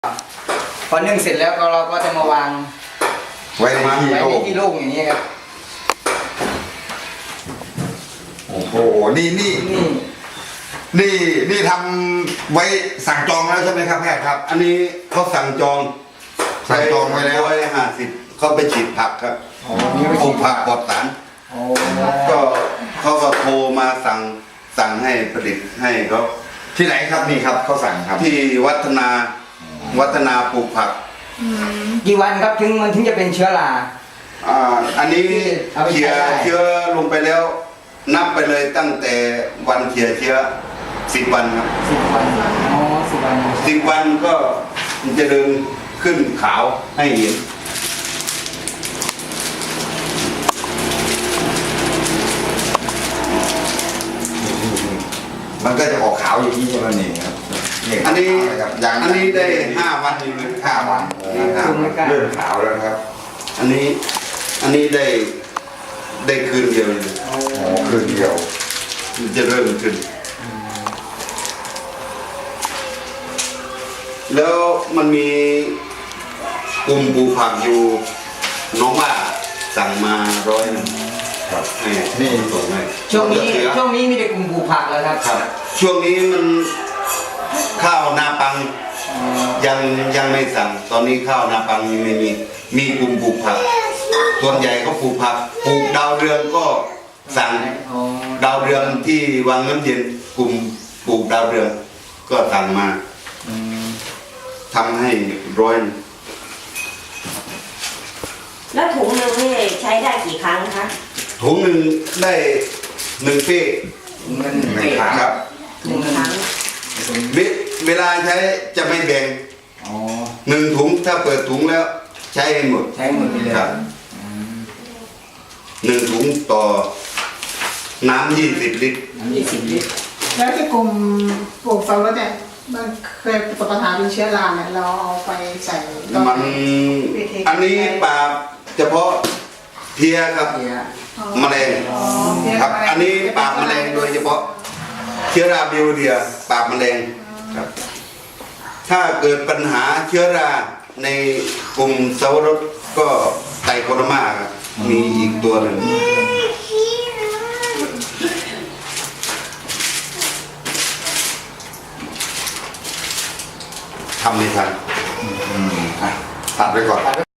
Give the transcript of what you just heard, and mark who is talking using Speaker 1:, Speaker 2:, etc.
Speaker 1: พอนึ่งเสร็จแล้วก็เราก็จะมาวาง
Speaker 2: ไว้ในที่โล่ง
Speaker 1: อย่างนี้ครับ
Speaker 2: โอ้โหนี่ทำไว้สั่งจองแล้วใช่ไหมครับแพทย์ครับ
Speaker 3: อันนี้เขาสั่งจอง
Speaker 2: สั่งจองไว้แล้ว
Speaker 3: 150เขาไปฉีดผักครับ
Speaker 1: นี่ไม่
Speaker 3: ปลู
Speaker 1: ใช่
Speaker 3: กผักปลอดสาร
Speaker 1: โอ้
Speaker 3: ก็เขาก็โทรมาสั่งให้ผลิตให้เขา
Speaker 2: ที่ไหนครับนี่ครับเขาสั่งครับ
Speaker 3: ที่วัฒนาปลูกผัก
Speaker 1: กี่วันครับถึงมันถึงจะเป็นเชื้อรา
Speaker 3: อันนี้
Speaker 1: เอาไป
Speaker 3: เขี่ย
Speaker 1: ใช้ได้
Speaker 3: เชื้อลงไปแล้ว นับไปเลยตั้งแต่วันเขี่ยเชื้อ10 วันครับ
Speaker 1: 10 วันอ๋อ10 วัน
Speaker 3: 10 วันก็มันจะเดินขึ้นขาวให้เห็น
Speaker 2: มันก็จะออกขาวอย่างนี้ใช่ไหมนี่ครับ
Speaker 3: อันนี้
Speaker 2: อย่าง
Speaker 3: อันนี้ได้5 วันอยู่เลย
Speaker 2: 5 วันเริ่มขาวแล้วนะครับ
Speaker 3: อันนี้ได้คืนเดียวเลย
Speaker 2: อ๋อคืนเดียว
Speaker 3: มันจะเริ่มขึ้น แล้วมันมีกลุ่มปลูกผักอยู่น้องว่าสั่งมา100 นึง
Speaker 2: ครับ
Speaker 3: ให้
Speaker 2: นี่
Speaker 3: ส่งให้
Speaker 1: ช่วงนี้
Speaker 3: เหลือ
Speaker 1: มีแต่กลุ่มปลูกผักแล้วครับ
Speaker 3: ครับ ช่วงนี้มันข้าวนาปังยังไม่สั่ง ตอนนี้ข้าวนาปังยังไม่มีกลุ่มปลูกผัก ส่วนใหญ่ก็ปลูกผักปลูกดาวเรืองก็สั่ง
Speaker 1: อ๋อ
Speaker 3: ดาวเรืองที่วังน้ำเย็นกลุ่มปลูกดาวเรืองก็สั่งมาทำให้100 นึง
Speaker 4: แล้วถุงหนึ่งนี่ใช้ได้กี่ครั้งคะ
Speaker 3: ถุงหนึ่งได้1 เป้
Speaker 1: เงิน
Speaker 2: หนึ่งครั้ง
Speaker 3: ครับ
Speaker 4: หนึ่งครั้ง
Speaker 3: เวลาใช้จะไม่แบ่ง
Speaker 1: อ๋อ
Speaker 3: 1 ถุงถ้าเปิดถุงแล้วใช้ให้หมด
Speaker 1: ใช้หมดไปเลย
Speaker 3: ครับ 1 ถุงต่อน้ำ20 ลิตร
Speaker 1: น้ำ20 ลิตร
Speaker 5: แล้วที่กลุ่มปลูกสับปะรดเนี่ยมันเคยประสบปัญหาเป็นเชื้อราเนี่ยเราเอาไปใส่ตอน
Speaker 3: มัน
Speaker 5: วิธี
Speaker 3: อันนี้ปราบเฉพาะเพลียครับ
Speaker 1: เนี่ย
Speaker 3: แมลง
Speaker 5: อ๋อเพี้ย
Speaker 3: ครับ
Speaker 5: ะไร
Speaker 3: อันนี้ปราบแมลงโดยเฉพาะเชื้อราบิวเรียปราบแมลงครับ ถ้าเกิดปัญหาเชื้อราในกลุ่มสับปะรดก็ไตโคโดมาครับมีอีกตัวหนึ่งทำไม่ทัน
Speaker 2: ตัดไปก่อน